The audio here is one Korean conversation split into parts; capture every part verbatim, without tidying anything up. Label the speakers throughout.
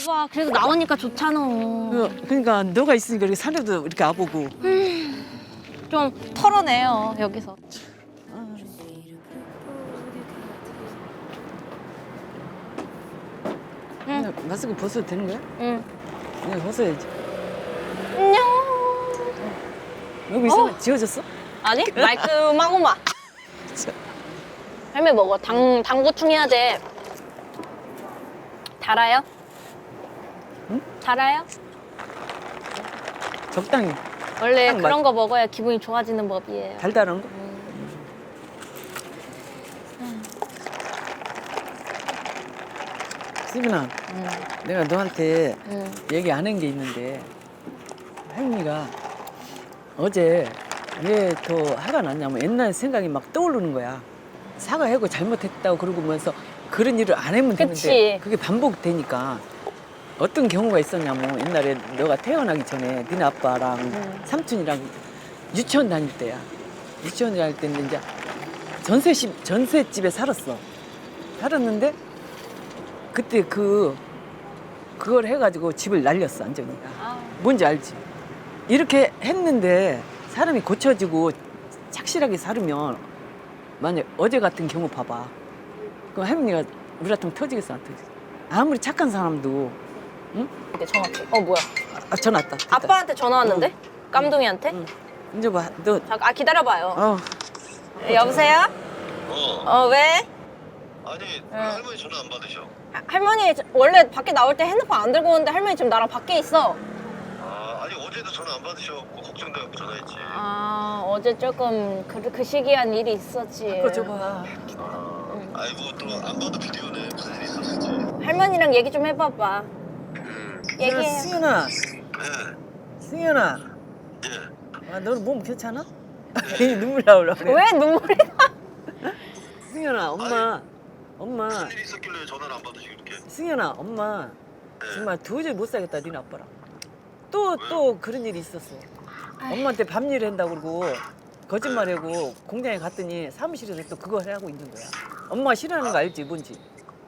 Speaker 1: 와, 그래도 나오니까 좋잖아.
Speaker 2: 그, 그러니까 너가 있으니까 이렇게 산에도 이렇게 와보고.
Speaker 1: 좀 털어내요, 여기서.
Speaker 2: 응. 마스크 벗어도 되는 거야?
Speaker 1: 응.
Speaker 2: 그냥 벗어야지.
Speaker 1: 안녕.
Speaker 2: 여기 있어? 지워졌어?
Speaker 1: 아니, 말끔하고만. 할매 먹어. 당, 당 보충해야 돼. 달아요?
Speaker 2: 응?
Speaker 1: 달아요?
Speaker 2: 적당히
Speaker 1: 원래
Speaker 2: 딱
Speaker 1: 그런
Speaker 2: 맞-
Speaker 1: 거 먹어야 기분이 좋아지는 법이에요.
Speaker 2: 달달한 거? 수빈아,
Speaker 1: 응.
Speaker 2: 내가 너한테
Speaker 1: 응.
Speaker 2: 얘기 안 한 게 있는데 할머니가 어제 왜 더 화가 났냐면 옛날 생각이 막 떠오르는 거야. 사과하고 잘못했다고 그러고면서 그런 일을 안 하면
Speaker 1: 그치.
Speaker 2: 되는데 그게 반복되니까 어떤 경우가 있었냐면 옛날에 너가 태어나기 전에 니네 아빠랑
Speaker 1: 음.
Speaker 2: 삼촌이랑 유치원 다닐 때야. 유치원 다닐 때는 이제 전세집 전세집에 살았어. 살았는데 그때 그 그걸 해가지고 집을 날렸어 완전히.
Speaker 1: 아.
Speaker 2: 뭔지 알지? 이렇게 했는데 사람이 고쳐지고 착실하게 살으면 만약 어제 같은 경우 봐봐. 그럼 할머니가 우리 같으면 터지겠어 안 터지겠어? 아무리 착한 사람도 응?
Speaker 1: 근데 전화 왔어. 어, 뭐야?
Speaker 2: 아, 전화 왔다. 됐다.
Speaker 1: 아빠한테 전화 왔는데? 깜둥이한테?
Speaker 2: 응. 이제 봐. 너
Speaker 1: 잠깐, 아, 기다려봐요.
Speaker 2: 어.
Speaker 1: 네, 여보세요?
Speaker 3: 어.
Speaker 1: 어, 왜?
Speaker 3: 아니 왜 할머니 전화 안 받으셔?
Speaker 1: 아, 할머니 원래 밖에 나올 때 핸드폰 안 들고 오는데 할머니 지금 나랑 밖에 있어.
Speaker 3: 아 아니 어제도 전화 안 받으셔갖고 걱정돼갖고 전화했지.
Speaker 1: 아, 어제 조금 그, 그 시기한 일이 있었지.
Speaker 2: 그거 줘봐.
Speaker 3: 아, 아이고 또 안 봐도 비디오네. 무슨 일 있었을지.
Speaker 1: 할머니랑 얘기 좀 해봐봐.
Speaker 3: 음.
Speaker 1: 얘기해.
Speaker 2: 승현아,
Speaker 3: 네.
Speaker 2: 승현아.
Speaker 3: 예.
Speaker 2: 아, 너는 몸 괜찮아? 괜히 눈물 나오려 그래.
Speaker 1: 왜 눈물이 나?
Speaker 2: 승현아, 엄마, 엄마,
Speaker 3: 무슨 일이 있었길래 전화를 안 받으시고 이렇게.
Speaker 2: 승현아, 엄마
Speaker 3: 네.
Speaker 2: 정말 도저히 못 살겠다, 니네 아빠랑. 또, 또 그런 일이 있었어. 엄마한테 밤일을 한다고 그러고 거짓말하고 공장에 갔더니 사무실에서 또 그거 하고 있는 거야. 엄마가 싫어하는 거 알지, 뭔지?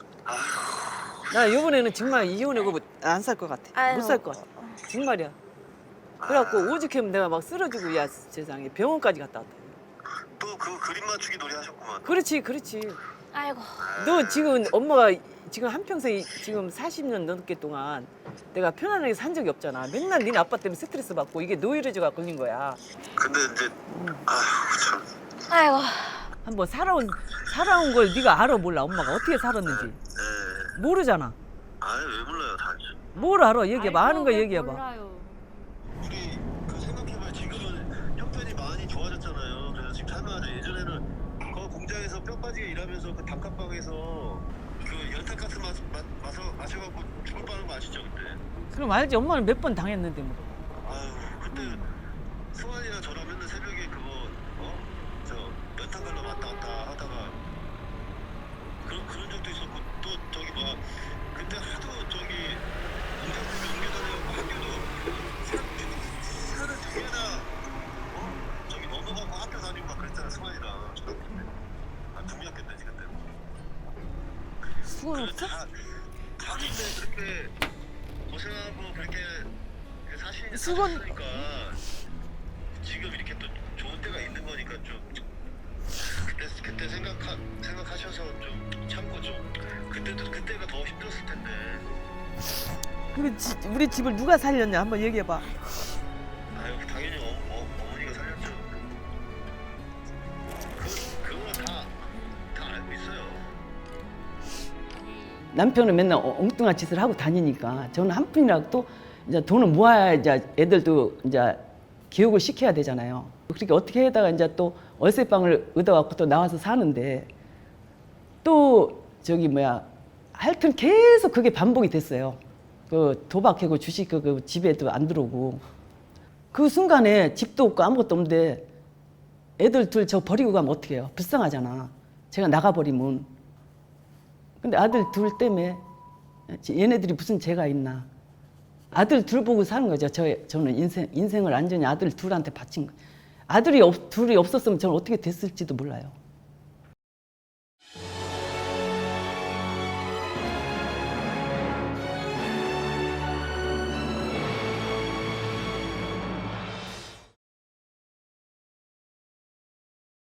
Speaker 2: 나 이번에는 정말 이혼하고 안 살 것 같아. 못 살 것 같아. 정말이야. 그래갖고 오죽하면 내가 막 쓰러지고 야 세상에 병원까지 갔다 왔다.
Speaker 3: 또 그 그림 맞추기 놀이 하셨구만.
Speaker 2: 그렇지, 그렇지.
Speaker 1: 아이고.
Speaker 2: 너 지금 엄마가 지금 한평생 지금 사십 년 넘게 동안 내가 편안하게 산 적이 없잖아. 맨날 니네 아빠 때문에 스트레스 받고 이게 노이로제가 걸린 거야.
Speaker 3: 근데 이제 아휴 참.
Speaker 1: 아이고.
Speaker 2: 한번 살아온 살아온 걸 네가 알아 몰라 엄마가 어떻게 살았는지
Speaker 3: 예.
Speaker 2: 모르잖아.
Speaker 3: 아유 왜 몰라요 다.
Speaker 2: 뭘 알아? 얘기해봐. 아는 거 얘기해봐.
Speaker 3: 우리 그 생각해봐요. 지금은 형편이 많이 좋아졌잖아요. 그래서 지금 살만하죠. 예전에는 그 공장에서 뼈 빠지게 일하면서 그 단칸방에서 그 연탄가스 마, 마, 마셔, 마셔갖고 죽을 뻔한 거 아시죠 그때?
Speaker 2: 그럼 알지. 엄마는 몇 번 당했는데 뭐.
Speaker 3: 아유 그때 승환이랑 저랑 맨날 새벽에 그거 어? 저 연탄 갈러 왔다 갔다 하다가 그런 그런 적도 있었고 또 저기 뭐 그때 하도 저기 공장들이 옮겨다녀갖고 학교도 산, 산을 두 개나 어? 저기 넘어가고 학교 다니고 막 그랬잖아 승환이랑 초등학교 때. 아 중학교 때지 그때.
Speaker 2: 수건 없어?
Speaker 3: 다, 다들 그렇게 고생하고 그렇게 사실
Speaker 2: 수건-
Speaker 3: 사셨으니까 지금 이렇게 또 좋은 때가 있는 거니까 좀 그때 그때 생각하 생각하셔서 좀 참고 좀 그때도 그때가 더 힘들었을 텐데.
Speaker 2: 우리, 지, 우리 집을 누가 살렸냐 한번 얘기해봐.
Speaker 3: 아유 당연히 어, 어, 어머니가 살렸죠. 그 그거 다다 알고 있어요.
Speaker 2: 남편은 맨날 어- 엉뚱한 짓을 하고 다니니까 저는 한 푼이라도 또 이제 돈을 모아야 이제 애들도 이제 교육을 시켜야 되잖아요. 그렇게 어떻게 하다가 이제 또 월세방을 얻어갖고 또 나와서 사는데 또 저기 뭐야 하여튼 계속 그게 반복이 됐어요. 그 도박하고 주식 그, 그 집에도 안 들어오고 그 순간에 집도 없고 아무것도 없는데 애들 둘 저 버리고 가면 어떻게 해요? 불쌍하잖아. 제가 나가버리면. 근데 아들 둘 때문에 얘네들이 무슨 죄가 있나. 아들 둘 보고 사는 거죠. 저, 저는 인생, 인생을 완전히 아들 둘한테 바친 거예요. 아들이 없, 둘이 없었으면 저는 어떻게 됐을지도 몰라요.